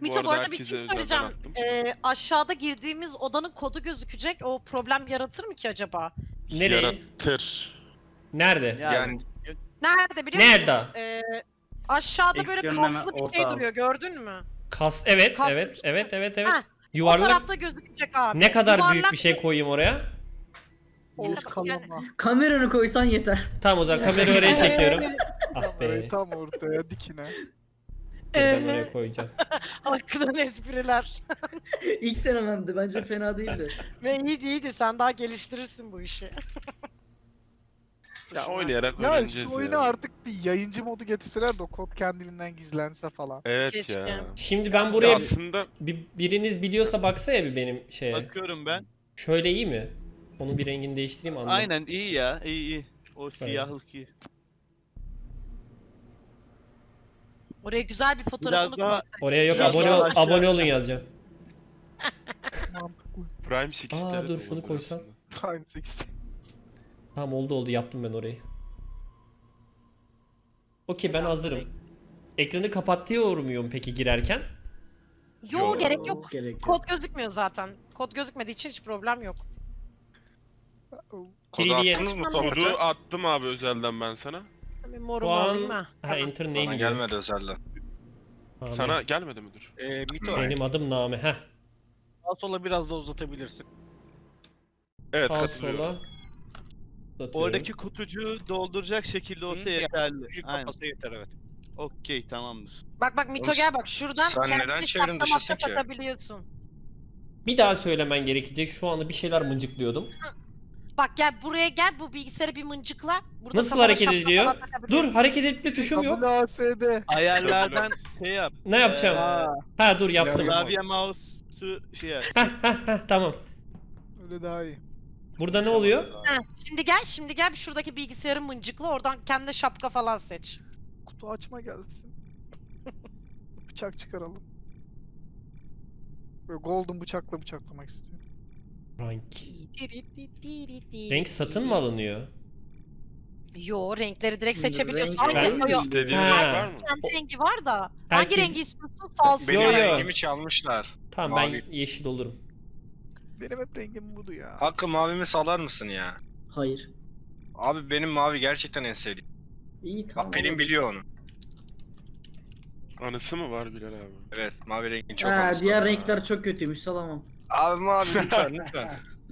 Mito arada bu arada bir herkese şey özelden söyleyeceğim. attım. Aşağıda girdiğimiz odanın kodu gözükecek. O problem yaratır mı ki acaba? Nereye? Yaratır. Nerede? Yani Nerede biliyor musun? Nerede? Aşağıda böyle Ekranın hemen kaslı bir orta şey alt. duruyor. Gördün mü? Evet, Kaslı evet, bir şey. evet, evet, evet. Heh, O Yuvarlak. tarafta gözükecek abi. Ne kadar büyük Yuvarlak bir şey koyayım oraya? Yüz Yani- kalama. Kameranı koysan yeter. Tamam o zaman kamerayı oraya çekiyorum. Ah Kamerayı be. tam ortaya dikine. Dur, ben oraya koyacağım. Arkadan espriler. İlk denememdi. Bence fena değildi. Ve iyiydi. Sen daha geliştirirsin bu işi. Ya oynayarak Ya öğreneceğiz şu oyuna ya. artık bir yayıncı modu getirseler de o kod kendiliğinden gizlense falan. Evet Keşke. ya. Şimdi ben Ya buraya aslında biriniz biliyorsa baksaya bir benim şeye. Bakıyorum ben. Şöyle iyi mi? Onun bir rengini değiştireyim anladım. Aynen iyi ya. İyi. O siyahlık iyi. Oraya güzel bir fotoğrafını Biraz daha- koy. Oraya yok Biraz abone daha ol, aşağı- abone olun yazacağım. Mantıklı. Prime 8'de Aa, de dur, şunu olabilir koysam. aslında. Prime 8'te. Tamam oldu yaptım ben orayı. Okey ben hazırım. Ekranı kapatıyor muyum peki girerken? Yo gerek yok. Gerek yok. Kod gözükmüyor zaten. Kod gözükmediği için hiç problem yok. kodu 3D'ye attınız mı Kodu Kodu sohbete? attım abi özelden ben sana. Bir Şu morumu alayım an mı? ha enter name Bana diyor. gelmedi özelden. Abi, Sana gelmedi müdür? Mito, benim adım Name. Heh. sağ sola biraz da uzatabilirsin. Evet Sağ katılıyorum. sola. Uzatıyorum. Oradaki kutucuğu dolduracak şekilde olsa Hı, yeterli. Küçük Aynen. kafası yeter evet. Okey tamamdır. Bak Mito Oğlum, gel bak şuradan sen neden kendini çevrim şaplamakta dışısın ki? takabiliyorsun. Bir daha söylemen gerekecek. Şu anda bir şeyler mıncıklıyordum. Bak gel buraya gel bu bilgisayarı bir mıncıkla. Burada Nasıl kafana hareket şapka ediyor? falan takabiliyorsun. Dur hareket etme tuşum yok. WASD. Ayarlardan şey yap. Ne yapacağım? Aa, Ha dur yaptım. Klavye mouse'u şey yap. Heh, tamam. öyle daha iyi. Burada ne oluyor? Heh, şimdi gel şuradaki bilgisayarı mıncıkla oradan kendine şapka falan seç. Kutu açma gelsin. Bıçak çıkaralım. Böyle golden bıçakla bıçaklamak istiyorum. Renk. Renk satın mı alınıyor? Yo renkleri direkt seçebiliyorsun. Renk- Hangi Ben- renk? Yo, İstediğin Ha. renk var mı? kendi rengi var da. Hangi Herkes- rengi istiyorsun? Salsın. Benim Yo, yo. rengimi çalmışlar. Tamam ben Mavi. yeşil olurum. Benim hep rengim budu ya. Hakkı mavimi salar mısın ya? Hayır. Abi benim mavi gerçekten en sevdiğim. İyi tamam. Bak Pelin biliyor onu. Anısı mı var Bilal abi? Evet mavi rengin çok Ha, anısı diğer var. renkler çok kötüymüş salamam. Abi mavi lütfen lütfen.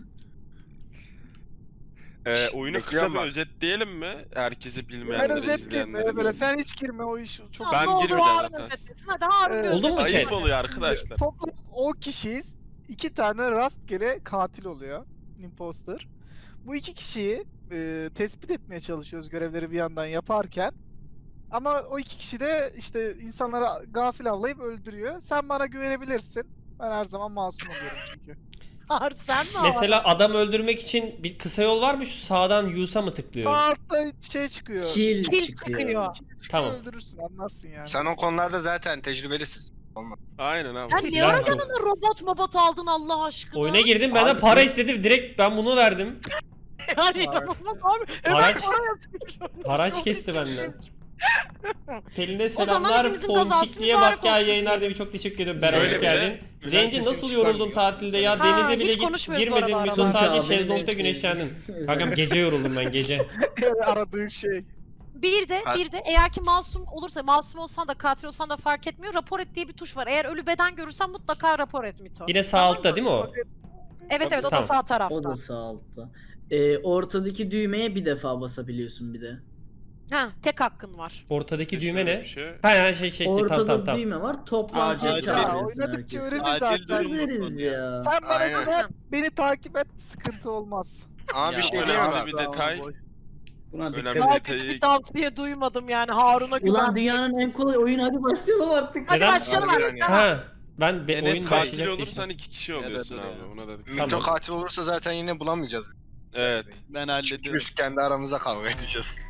Oyunu kısa Bekliyorum bir bak. özetleyelim mi? Herkesi Ben bilmeyenlere, özetleyeyim izleyenlere. böyle böyle sen hiç girme o iş çok Tamam, Ben ne olur girmeyeceğim Harun zaten. özetlesin. Hadi Harun Evet. bir Oldu mu özetlesin. Ayıp chat? oluyor arkadaşlar. Toplam 10 kişiyiz. 2 tane rastgele katil oluyor. Imposter. Bu iki kişiyi tespit etmeye çalışıyoruz görevleri bir yandan yaparken. Ama o iki kişi de işte insanları gafil avlayıp öldürüyor. Sen bana güvenebilirsin. Ben her zaman masum oluyorum çünkü. Harun sen mi o? Mesela adam öldürmek için bir kısa yol var mı? Şu sağdan use'a mı tıklıyorum? Sağ altta şey çıkıyor. Kill Kil çıkıyor. çıkıyor. Tamam. Öldürürsün anlarsın yani. Sen o konularda zaten tecrübelisin. Aynen abi. Sen ne Silah ara yok. yanına robot aldın Allah aşkına? Oyuna girdim benden Abi- para istedi. Direkt ben bunu verdim. Yani inanılmaz abi. Hemen Haraç- para yatırıyorum. Haraç kesti benden. Pelin'e zaman selamlar. hepimizin Ponçik kazası diye mübarek bak ya olsun yayınlar diyelim. demiş. Çok teşekkür ederim. Beren Öyle hoş bir de geldin. Bülent Zenci sesim nasıl yoruldun çıkarmıyor. tatilde ya? Ha, Denize hiç bile konuşmuyoruz bu girmedin. arada Mito arada. sadece Tunç abi, şezlongda benim güneşlendin. sevdiğim. Kankam gece yoruldum ben gece. Aradığın şey. Bir de eğer ki masum olursa masum olsan da katil olsan da fark etmiyor. Rapor et diye bir tuş var. Eğer ölü beden görürsen mutlaka rapor et Mito. Yine sağ altta değil mi o? Evet o da Tamam. sağ O tarafta. da sağ altta. Ortadaki düğmeye bir defa basabiliyorsun bir de. Ha tek hakkın var. Ortadaki düğme Şöyle ne? bir şey. Ha Ortada tamam. düğme var. Toplantıya Acil. çağırıyorsun Oynadıkça herkesi. öğreniriz Acil zaten. durum. Hallederiz ya. Sen bana Aynen. güven, beni takip et, sıkıntı olmaz. Ama Ya, bir şey öyle diyeyim abi mi? bir detay. Buna Önemli dikkat bir et. Daha detayı- kötü bir tavsiye duymadım yani Harun'a güven. Ulan dünyanın en kolay oyunu hadi başlayalım artık. Hadi Neden? başlayalım Harbiden abi. ya. Ha. Ben Enes oyun katil başlayacak Katil diye. olursan 2 kişi oluyorsun Evet, abi. öyle. Ona da Mito Tamam. katil olursa zaten yine bulamayacağız. Evet. Ben Çünkü hallediyorum. biz kendi aramızda kavga edeceğiz.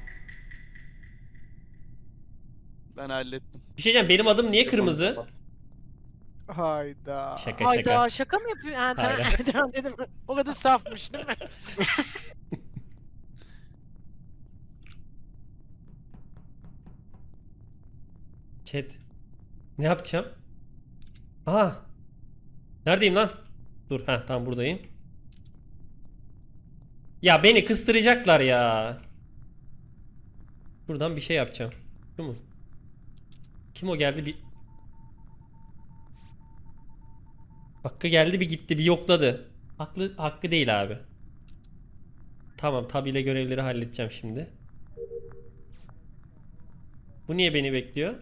Ben hallettim. Bir şey diyeceğim benim adım niye kırmızı? Hayda. Şaka şaka. Hayda şaka mı yapıyor? Ha, tamam. Hayır. Tamam dedim. O kadar safmış değil mi? Chat. Ne yapacağım? Aha. Neredeyim lan? Dur, ha tamam buradayım. Ya beni kıstıracaklar ya. Buradan bir şey yapacağım. Şu mu? Kim o geldi bir... Hakkı geldi bir gitti bir yokladı. Hakkı değil abi. Tamam, tab ile görevleri halledeceğim şimdi. Bu niye beni bekliyor?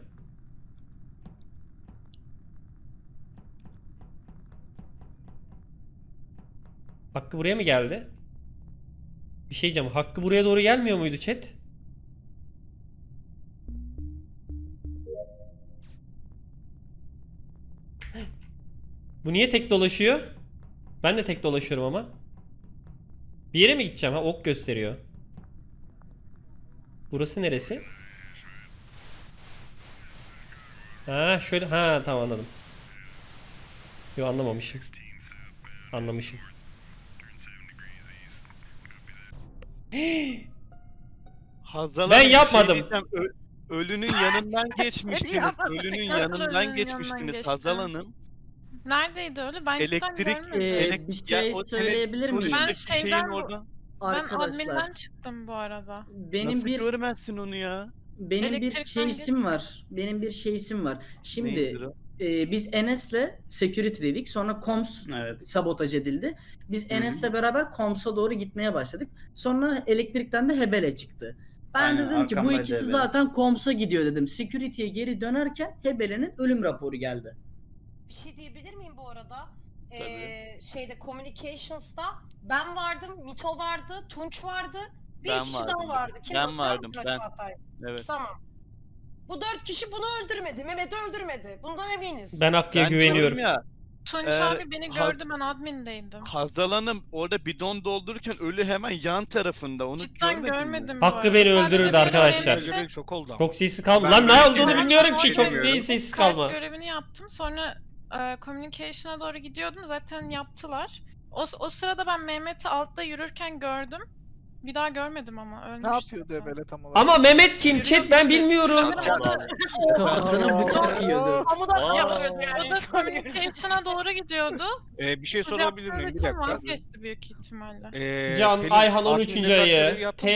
Hakkı buraya mı geldi? Bir şey diyeceğim. Hakkı buraya doğru gelmiyor muydu chat? Bu niye tek dolaşıyor? Ben de tek dolaşıyorum ama. Bir yere mi gideceğim? Ha, ok gösteriyor. Burası neresi? Ha şöyle. Ha tamam anladım. Yo anlamamışım. Anlamışım. Hazal Ben Hanım, bir yapmadım. Şey diyeceğim. Ölünün yanından geçmiştiniz. yapmadım. Ölünün Nasıl yanından ölünün geçmiştiniz yanından Hazal geçtim? Hanım. Neredeydi öyle? Ben cidden Elektrik- görmedim. Elek- Bir Ya şey o söyleyebilir miyim? Ben Konuştaki şeyin şeyden- orada. Ben Arkadaşlar adminden çıktım bu arada. benim Nasıl bir görmezsin onu ya? benim bir Elektrikten şeysim var. Benim bir şeysim var. Şimdi Neydir o? biz Enes'le security dedik. Sonra comms sabotaj edildi. Biz Enes'le beraber comms'a doğru gitmeye başladık. Sonra elektrikten de Hebele çıktı. Ben Aynen, dedim ki bu arkamdaydı ikisi Hebele. zaten comms'a gidiyor dedim. Security'ye geri dönerken Hebele'nin ölüm raporu geldi. Bir şey diyebilir miyim bu arada? Tabii. Şeyde Communications'ta ben vardım, Mito vardı, Tunç vardı, bir Ben kişi vardım. daha vardı. Kim Ben o, sen vardım, misin ben. Çağatay? Evet. Tamam. Bu 4 kişi bunu öldürmedi, Mehmet'i öldürmedi. Bundan eminiz. Ben Hakkı'ya Ben güveniyorum. diyorum Ya, Tunç Ee, abi beni Haz- gördü, ben admindeydim. Hazal Hanım orada bidon doldururken ölü hemen yan tarafında. Onu Cidden görmedin mi? görmedim bu Hakkı arada. beni Sadece öldürürdü beni arkadaşlar. öldürürse- Görevli çok oldu ama. Çok sessiz kalma. Ben Lan ne böyle olduğunu şeyler bilmiyorum çok ki. Çok bilmiyorum. değil sessiz Kart kalma. görevini yaptım. Sonra communication'a doğru gidiyordum. Zaten yaptılar. O sırada ben Mehmet'i altta yürürken gördüm. Bir daha görmedim ama ölmüş. Ne yapıyordu zaten. Hebele tam olarak? Ama Mehmet kim chat ben bilmiyorum. Kafasına bıçak yiyordu. Kamuda Aa. yapıyordu O yani. da communication'a doğru gidiyordu. Bir şey sorabilir miyim? Bir dakika. Vazgeçti büyük ihtimalle. Can Pelin, Ayhan admin'de 13. kart görevi ayı. yaptın mı?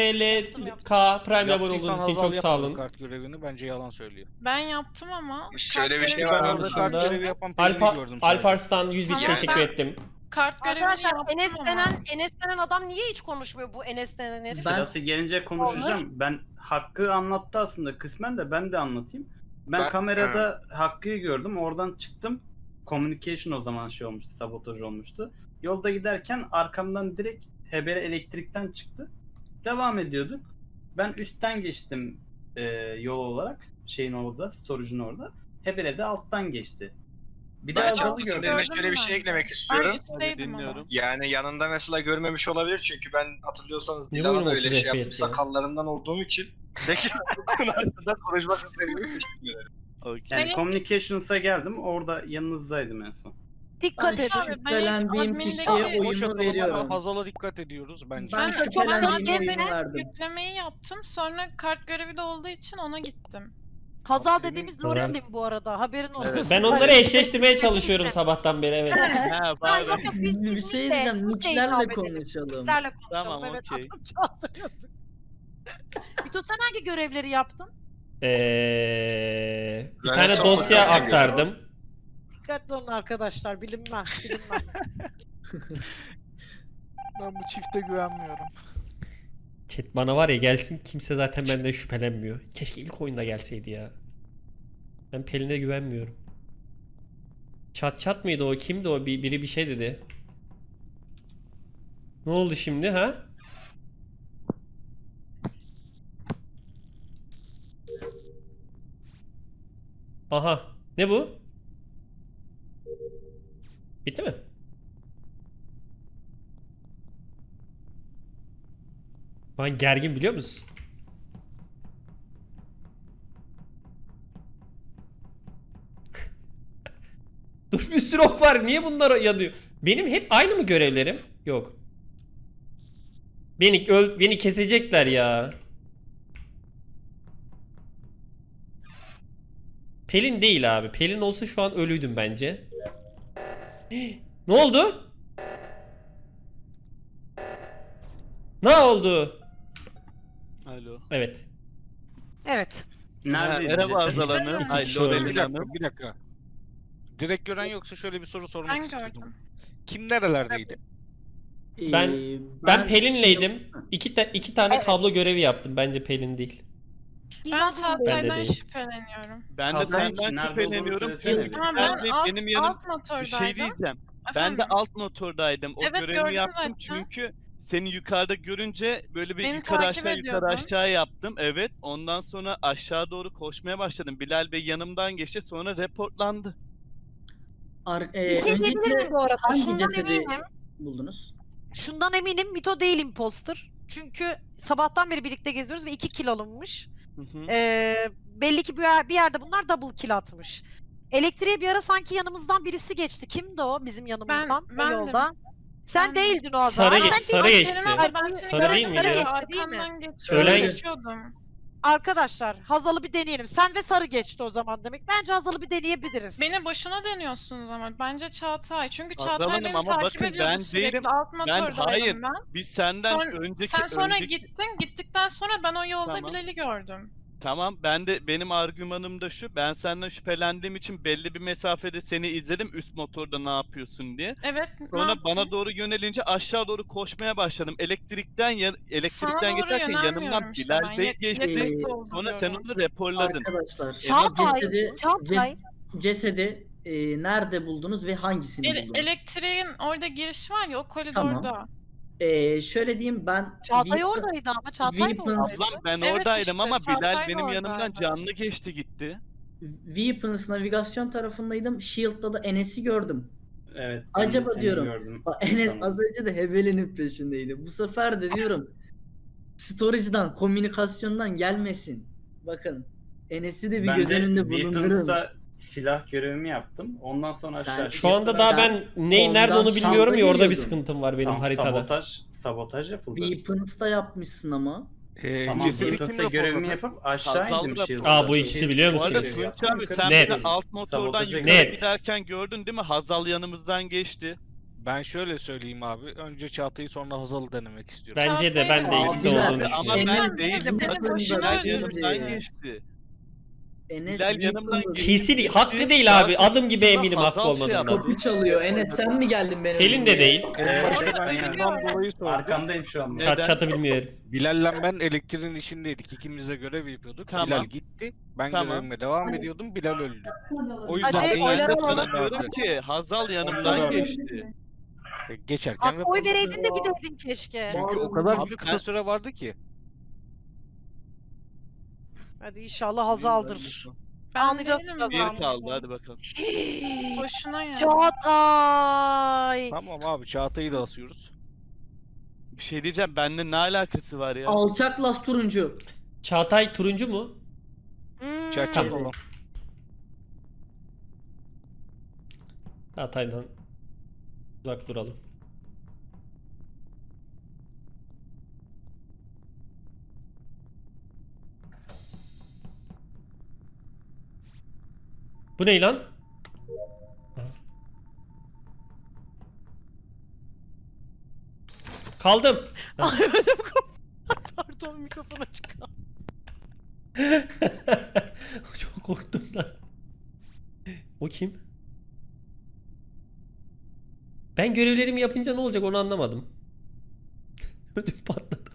TLPLK Prime abone Yaptıysan olduğunuz için Hazal çok sağ olun. yapmadı kart görevini, bence yalan söylüyor. Ben yaptım ama. Şöyle kart bir şey görevi var Ben yaptım. orada dışında- kart görevi yapan Pelin'i gördüm sadece. Alparslan 100 bin Tamam, teşekkür ben- ettim. Kart görevini Arkadaşlar yaptım Enes ama. denen adam niye hiç konuşmuyor bu Enes denen herif? Ben- Sırası gelince konuşacağım. Ben Hakkı anlattı aslında kısmen de ben de anlatayım. Ben kamerada Hakkı'yı gördüm. Oradan çıktım. Communication o zaman şey olmuştu. Sabotaj olmuştu. Yolda giderken arkamdan direkt Hebele elektrikten çıktı. Devam ediyorduk. Ben üstten geçtim yol olarak. Şeyin orada, storage'ın orada. Hebele de alttan geçti. Bir de Ben Hazal'ı Çağatay'ın gördüm. üzerine şöyle bir şey Ben. eklemek Ben istiyorum. üstteydim ama. dinliyorum. Yani yanında mesela görmemiş olabilir çünkü ben hatırlıyorsanız Niye Dilan'a oyun da öyle 30 şey yaptım FPS ya? sakallarından olduğum için. Peki bu konu hakkında konuşmak istediğimi teşekkür ederim. Okey. Yani Benim- Communications'a geldim. Orada yanınızdaydım en son. Dikkat Ben et abi. şüphelendiğim Ben kişiye admindeki- O oyunu şakalı veriyorum. ama Hazal'a dikkat ediyoruz bence. Ben Ben çok şüphelendiğim gezdim, oyunu verdim. yüklemeyi yaptım. Sonra kart görevi de olduğu için ona gittim. Hazal Senin- dediğimiz Güzel. Lorelim bu arada. Haberin olsun. Evet. Ben onları eşleştirmeye çalışıyorum sabahtan beri evet. Ha, Ha, pardon. yok yok biz Bir şey diyeceğim. Nicklerle konuşalım. Nicklerle konuşalım. Tamam, Evet, okey. adamcağızın yazık. Mito sen hangi görevleri yaptın? Bir Ben tane son dosya fotoğrafı aktardım. Dikkatli olun arkadaşlar, bilinmez, bilinmez. Ben bu çifte güvenmiyorum. Chat bana var ya gelsin kimse zaten benden şüphelenmiyor. Keşke ilk oyunda gelseydi ya. Ben Pelin'e güvenmiyorum. Çat mıydı o? Kimdi o? Biri bir şey dedi. Ne oldu şimdi ha? Aha. Ne bu? Bitti mi? Ben gergin biliyor musun? Dur bir sürü ok var. Niye bunlar yanıyor? Benim hep aynı mı görevlerim? Yok. Beni kesecekler ya. Pelin değil abi. Pelin olsa şu an ölüydüm bence. Ne oldu? Ne oldu? Alo. Evet. Evet. Neredeydi Merhaba ceset? Azal Hanım. Ay Şöyle. Lorelin Bir dakika, Hanım. bir dakika. Direkt gören yoksa şöyle bir soru sormak Ben istiyordum. gördüm. Kim nerelerdeydi? Ben Ben Pelin'leydim. İki tane kablo görevi yaptım. Bence Pelin değil. Ben Ben Çağatay'dan de değil. şüpheleniyorum. Ben de Haber için senden nerede olduğunu şüpheleniyorum. söylesene Çünkü bir. Ama ben ben de alt, benim yanım alt motordaydım. bir şey diyeceğim. Ben de Efendim? alt motordaydım. O Evet, görevimi gördüm yaptım zaten. çünkü seni yukarıda görünce böyle bir Beni yukarı takip aşağı yukarı ediyordun. aşağı yaptım. Evet. Ondan sonra aşağı doğru koşmaya başladım. Bilal Bey yanımdan geçti. Sonra reportlandı. Bir şey diyebilir miyim öncelikle bu arada? hangi Şundan cesedi eminim. buldunuz? Şundan eminim. Mito değil imposter. Çünkü sabahtan beri birlikte geziyoruz ve 2 kill alınmış. Hı hı. Belli ki bir yerde bunlar double kill atmış. Elektriğe bir ara sanki yanımızdan birisi geçti. Kimdi o bizim yanımızdan? o bendim. yolda. Sen Bendim. değildin o Sarı zaman. ge- Sen sarı değil- geçti. Senin abla, ben seni Sarı değil göremedim. miydi? Sarı geçti değil mi? Arkandan Ölen- geçiyordum. Arkadaşlar Hazal'ı bir deneyelim. Sen ve Sarı geçti o zaman demek. Bence Hazal'ı bir deneyebiliriz. Beni boşuna deniyorsunuz ama. Bence Çağatay. Çünkü Hazal Çağatay Hanım beni ama takip bakın ediyordu ben sürekli. değilim. Alt Ben motordaydım hayır. ben. Biz senden Sen sonra önceki gittin. Gittikten sonra ben o yolda Tamam. Bilal'i gördüm. Tamam, benim argümanım da şu. Ben senden şüphelendiğim için belli bir mesafede seni izledim üst motorda ne yapıyorsun diye. Evet. ne Sonra yaptın? bana doğru yönelince aşağı doğru koşmaya başladım. Elektrikten Sana doğru geçerken yanımdan yönelmiyorum işte Bilal ben. Bey geçti. Yakın oldu Sonra sen diyorum. onu raporladın. Arkadaşlar Çağatay, cesedi, Çağatay. cesedi nerede buldunuz ve hangisini buldunuz? Elektriğin orada giriş var ya o koridorda. Şöyle diyeyim ben Çağatay Weapon- oradaydı ama Çağatay da Weapons- oradaydı. Ablam ben Evet oradaydım işte, ama Bilal Çağatay da benim yanımdan oradaydı. canlı geçti gitti. Weapons navigasyon tarafındaydım. Shield'da da Enes'i gördüm. Evet. ben de Acaba seni diyorum. gördüm. Bak Enes Tamam. az önce de Hebele'nin peşindeydi. Bu sefer de diyorum storage'dan, komünikasyondan gelmesin. Bakın Enes'i de bir Ben göz de önünde bulundurun. Weapons'ta silah görevimi yaptım. Ondan sonra Sen- aşağı Şu anda daha ben nerede ondan onu bilmiyorum ya, şanda orada bir geliyordun. sıkıntım var benim Tam haritada. sabotaj yapıldı. Weapons'ta yapmışsın ama. Tamam, Cesedi Weapons'ta kim görevimi raporladı? yapıp aşağı Hazal indim rapor- Shield'da. Aa, bu ikisi biliyor Bu arada musunuz? Tunç abi sen Net. beni alt motordan Sabotaja yukarı Net. giderken gördün değil mi? Hazal yanımızdan geçti. Ben şöyle söyleyeyim abi. Önce Çağatay'ı sonra Hazal'ı denemek istiyorum. Bence de ben de Çağatay- ikisi Abiler, olduğunu Ama düşünüyorum. ben değilim. Beni Bakın boşuna Bilal öldürdü. yanımdan geçti. Enes Bilal yanımdan Weapons'da- geçti. Kesin hakkı değil abi. Adım gibi Sonra eminim Hazal hakkı şey olmadığından. yaptı. Kapı çalıyor. Enes sen mi geldin benim? Pelin de değil. En başta ben ben şundan dolayı sordum. Arkandayım şu an. Çat çatı bilmiyorum. Bilal'le ben elektriğin içindeydik. İkimiz de görev yapıyorduk. Tamam. Bilal gitti. Ben Tamam. görevime devam ediyordum. Bilal öldü. O yüzden Hadi en oyları yakın alalım. tanım Diyorum vardı. ki Hazal yanımdan Tamam. geçti. Geçerken Abi oy vereydin de gideydin keşke. Çünkü o kadar Abi bir ben- kısa süre vardı ki. Hadi inşallah Hazal'dır. Ben Anlayacağız değilim birazdan. Bir zaten. kaldı hadi bakalım. Boşuna ya. Çağatay. Tamam abi Çağatay'ı da asıyoruz. Bir şey diyeceğim benimle ne alakası var ya? Alçak las turuncu. Çağatay turuncu mu? Hmm. Tamam. Olan. Çağatay'dan uzak duralım. Bu ne lan? Kaldım. Ay ödüm koptu. Pardon mikrofon açık kaldı. Çok korktum lan. O kim? Ben görevlerimi yapınca ne olacak onu anlamadım. Ödüm patladı.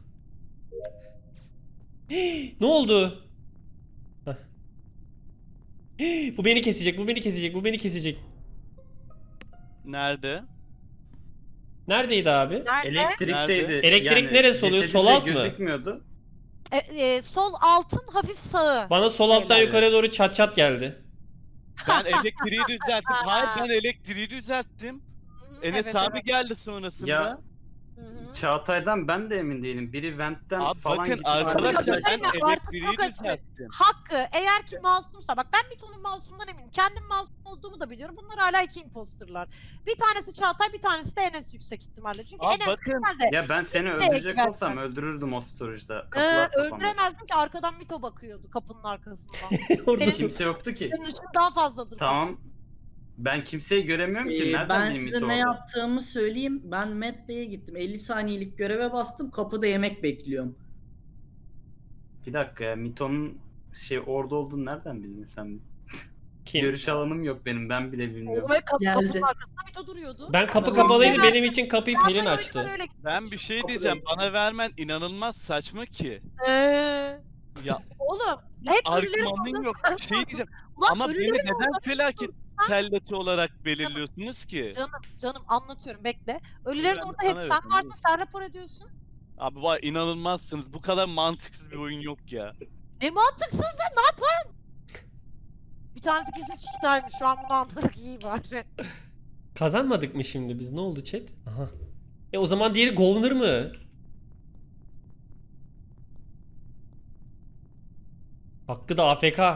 Ne oldu? Heh. Bu beni kesecek, bu beni kesecek, bu beni kesecek. Nerede? Neredeydi abi? Nerede? Elektrikteydi. Elektrik neresi oluyor? cesedi Sol de alt mı? Gözükmüyordu. Sol altın hafif sağı. Bana sol alttan Helal. yukarıya doğru çat çat geldi. Ben elektriği düzelttim. Hayır ben elektriği düzelttim. Enes Evet, abi evet. geldi sonrasında. Ya Hı hı. Çağatay'dan ben de emin değilim. Biri Vent'ten Abi falan bakın gitti. arkadaşlar Değil ben mi? Artık elektriği çok açık. düzelttim. Hakkı eğer ki masumsa bak ben Mito'nun masumdan eminim. Kendim masum olduğumu da biliyorum. Bunlar hala 2 imposterlar. Bir tanesi Çağatay, bir tanesi de Enes yüksek ihtimalle. Çünkü Abi Enes bakın, nerede? Ya ben seni Kimseye öldürecek güvenmem. olsam öldürürdüm o storage'da. Kapılar kapandı. Öldüremezdim ki arkadan Mito bakıyordu kapının arkasından. Orada Senin- Kimse yoktu ki. Senin ışın daha fazladır. Tamam. Ben kimseyi göremiyorum ki. Nereden Ben bileyim size Mito ne orada? yaptığımı söyleyeyim. Ben Matt Bey'e gittim. 50 saniyelik göreve bastım. Kapıda yemek bekliyorum. Bir dakika ya, Mito'nun orada olduğunu nereden bildin sen? kim? Görüş alanım yok benim, ben bile bilmiyorum. Ve Geldi. kapının arkasında Mito duruyordu. Ben kapı Tamam. kapalıydı, benim için kapıyı Pelin Ben açtı. öyle gittim. Ben bir şey diyeceğim. Bana vermen inanılmaz saçma ki. Ya Oğlum hep ölülerin argümanın yok. Bir şey diyeceğim. Ulan Ama beni ölülerin neden orada- felaket kelleti olarak belirliyorsunuz ki? Canım anlatıyorum bekle. Ölülerin Ben orada hep sana sen verdim, varsın, değil sen rapor ediyorsun. Abi vay inanılmazsınız. Bu kadar mantıksız bir oyun yok ya. Ne mantıksız da ne yaparım? Bir tanesi kesin çiktaymış, şu an bunu anladık, iyi bari. Kazanmadık mı şimdi biz? Ne oldu chat? Aha. O zaman diğeri Governor mı? Hakkı da AFK.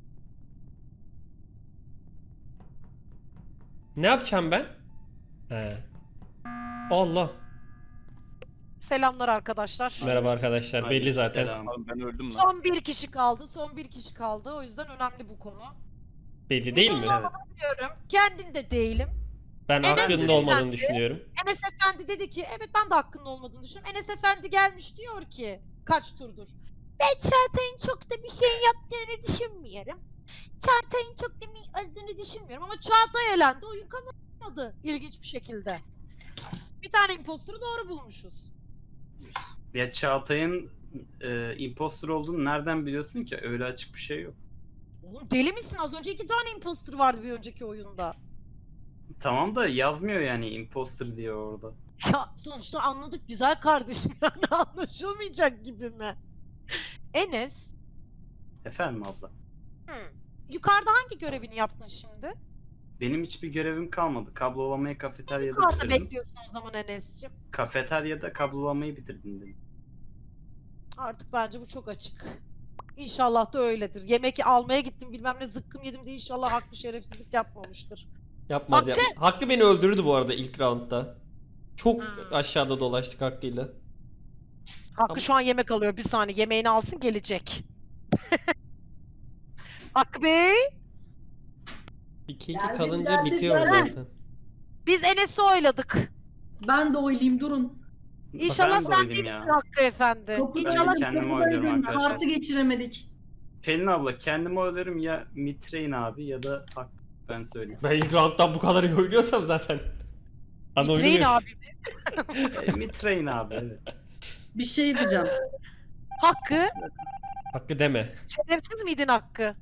Ne yapacağım ben? He. Allah. Selamlar arkadaşlar. Merhaba arkadaşlar. Belli zaten. Selam. Abi ben öldüm lan. Son bir kişi kaldı. O yüzden önemli bu konu. Belli değil mi? Evet. Biliyorum. Kendim de değilim. Ben Enes hakkında Efendi. olmadığını düşünüyorum. Enes Efendi dedi ki evet ben de hakkının olmadığını düşünüyorum. Enes Efendi gelmiş diyor ki kaç turdur. Ben Çağatay'ın çok da bir şey yaptığını düşünmüyorum. Çağatay'ın çok da öldüğünü düşünmüyorum ama Çağatay elendi, oyun kazanmadı ilginç bir şekilde. Bir tane imposter'ı doğru bulmuşuz. Ya Çağatay'ın imposter olduğunu nereden biliyorsun ki? Öyle açık bir şey yok. Oğlum deli misin? Az önce 2 tane imposter vardı bir önceki oyunda. Tamam da yazmıyor yani imposter diye orada. Ya sonuçta anladık güzel kardeşim, yani anlaşılmayacak gibi mi? Enes, Efendim abla. yukarıda hangi görevini yaptın şimdi? Benim hiçbir görevim kalmadı. Kablolamayı kafeteryada Yukarıda bitirdim. bekliyorsun o zaman Enes'cim. Kafeteryada kablolamayı bitirdim dedim. Artık bence bu çok açık. İnşallah da öyledir. Yemek almaya gittim bilmem ne zıkkım yedim diye inşallah haklı şerefsizlik yapmamıştır. Yapmaz Hakkı- yapmaz. Hakkı beni öldürdü bu arada ilk roundda. Çok Ha. aşağıda dolaştık Hakkı'yla. Hakkı şu an yemek alıyor, bir saniye yemeğini alsın gelecek. Hakkı Bey, 2-2 Geldim, kalınca geldim, bitiyor geldim. zaten. biz Enes'i oyladık. Ben de oylayayım durun. İnşallah Ben de sen oylayayım değilsin ya. Hakkı Efendi. Kapıdaydım, kendimi oyluyorum kapıdaydım. arkadaşlar. Kartı geçiremedik. Pelin abla kendimi oylarım ya Mitrein abi ya da Hak, ben söyleyeyim. Ben ilk rounddan bu kadar iyi oynuyorsam zaten. Ana Bitireyin oynuyor. abi. Mitrein abi evet. Bir şey diyeceğim. Hakkı, Hakkı deme. şerefsiz miydin Hakkı?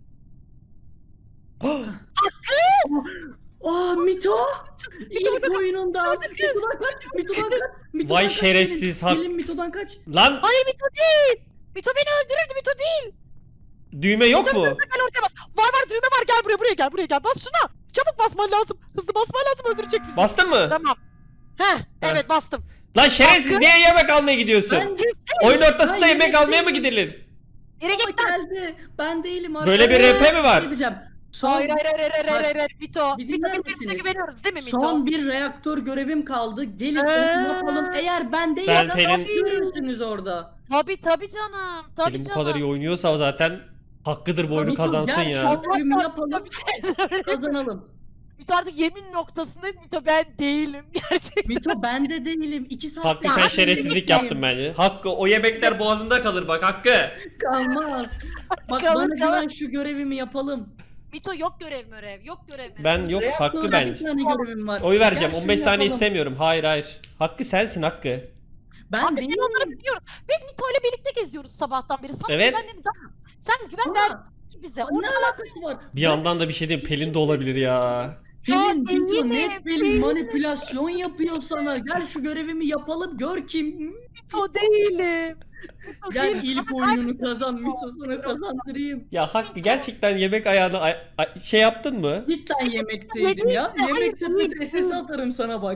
Aa Mito! İlk oyununda. Mito'dan kaç. Mito'dan Vay kaç. şerefsiz Hak. Gelin Mito'dan kaç. Lan Hayır Mito değil. Mito beni öldürürdü, Mito değil. düğme yok mu? Gel ortaya bas. Var düğme var, gel buraya gel. Bas şuna. Çabuk basman lazım. Hızlı basman lazım, öldürecek bizi. Bastın mı? Tamam. Evet bastım. Lan şerefsiz niye yemek almaya gidiyorsun? Ben Oyun ortasında Ben yemek yemek almaya mı değilim. gidilir? Nereye Ama gittin? geldi. Ben değilim abi. Böyle bir RP mi var? Bir şey diyeceğim. Son, Hayır. Mito. Bir Mito dinler birbirimize misiniz? güveniyoruz değil mi Mito? son bir reaktör görevim kaldı. Gelin onu yapalım. Eğer ben Ben değilsem Pelin- görürsünüz orada. Tabii canım. Tabii Elim bu canım. kadar iyi oynuyorsa zaten hakkıdır bu oyunu Mito, kazansın gel ya. şu görevimi yapalım. Tabii. Kazanalım. Mito artık yemin noktasındayız. Mito ben değilim. Gerçekten. Mito ben de değilim. 2 saat. Hakkı sen şerefsizlik yaptın bence. Hakkı o yemekler boğazında kalır bak Hakkı. Kalmaz. Bak Kalır, bana güven, şu görevimi yapalım. Mito yok görev. Yok görev. Ben yok Hakkı Reaktörde ben. bir tane görevim var. Oy vereceğim. Gel şunu 15 saniye yapalım. istemiyorum. Hayır. Hakkı sensin Hakkı. Ben Abi değilim. sen onları biliyoruz. Biz Mito ile birlikte geziyoruz sabahtan beri. Sana Evet. güvenmemiz lazım. Sen güven ver Ama bize. ne alakası var? Bir yandan da bir şey diyeyim. Pelin de olabilir ya. Pelin, Mito değilim, net Pelin manipülasyon yapıyor sana. Gel şu görevimi yapalım gör kim. Mito değilim. Mito Gel değilim. ilk oyununu kazan Mito sana kazandırayım. Ya Hakkı gerçekten yemek ayağına şey yaptın mı? Cidden yemekteydim ya. Yemek sepeti SS atarım sana bak.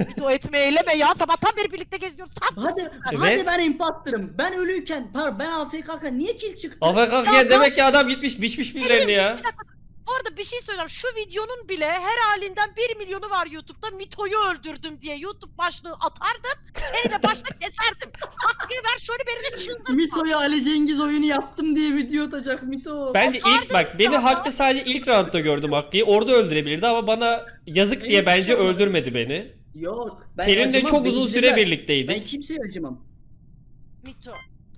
Bir o etme eyleme ya. Sabahtan beri birlikte geziyoruz. Hadi Evet. ben imposterım. Ben ölüyken, ben AFK'ken niye kill çıktı? AFK demek ki adam gitmiş biçmiş birilerini ya. Bu arada bir şey söyleyeceğim. Şu videonun bile her halinden 1 milyonu var YouTube'da. Mito'yu öldürdüm diye YouTube başlığı atardım. Seni de başta keserdim. Hakkı ver şöyle beni de çıldırtma. Mito'yu Ali Cengiz oyunu yaptım diye video atacak Mito. Bence ilk bak beni Hakkı sadece ilk roundda gördüm Hakkı'yı. Orada öldürebilirdi ama bana yazık diye bence öldürmedi beni. Yok. Ben Seninle acımam, çok beni uzun süre bilirler. Ben birlikteydik. kimseye acımam. Mito.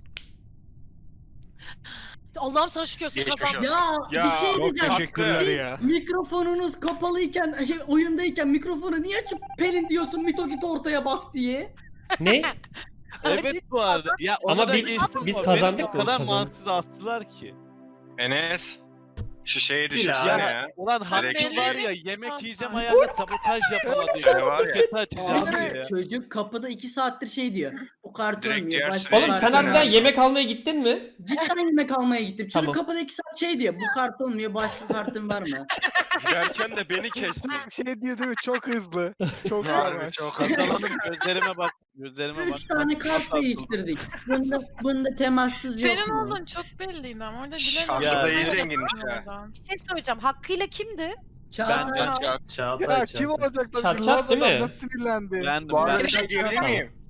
Allah'ım sana şükür sen Geçmiş kazandın. olsun. Ya, bir şey çok diyeceğim. teşekkürler ya. Mikrofonunuz kapalıyken, oyundayken mikrofonu niye açıp Pelin diyorsun Mito git ortaya bas diye? Ne? Evet bu arada. Ya Ama onu da biz- geçtim biz bu. kazandık Beni mı? o kadar Kazandık. mantıksız astılar ki. Enes. Şu şeyi Bil düşünsene abi. ya. Ulan Hakkı Direkt- var ya yemek yiyeceğim Ay. ayağında sabotaj yapamadı Şey ya. var ya. Paketi açacağım Abi, diye. Çocuk kapıda 2 saattir şey diyor. Bu karton Direkt mu? diğer Başka sıraya Oğlum sen karton mu? harbiden yemek almaya gittin mi? Cidden yemek almaya gittim. Çocuk Tamam. kapıda 2 saat şey diyor. Bu karton mu? Başka karton var mı? Giderken de beni kesti. Şey diyor değil mi? Çok hızlı. Çok Harbi yavaş. çok Kazalanın gözlerime bak. Gözlerime bak. 3 tane kart değiştirdik. Bunda temassız yok Senin mu? olduğun çok belliydi ama orada Şş, bilemiyorum. Hakkı da iyi zenginmiş ya. Bir şey söyleyeceğim. Hakkıyla kimdi? Çağatay. Ben- Çağatay. Ya kim olacak da Çat Yılmaz çat değil adam mi? nasıl sinirlendi? Ben de Bu arada ben. bir şey diyebilir miyim?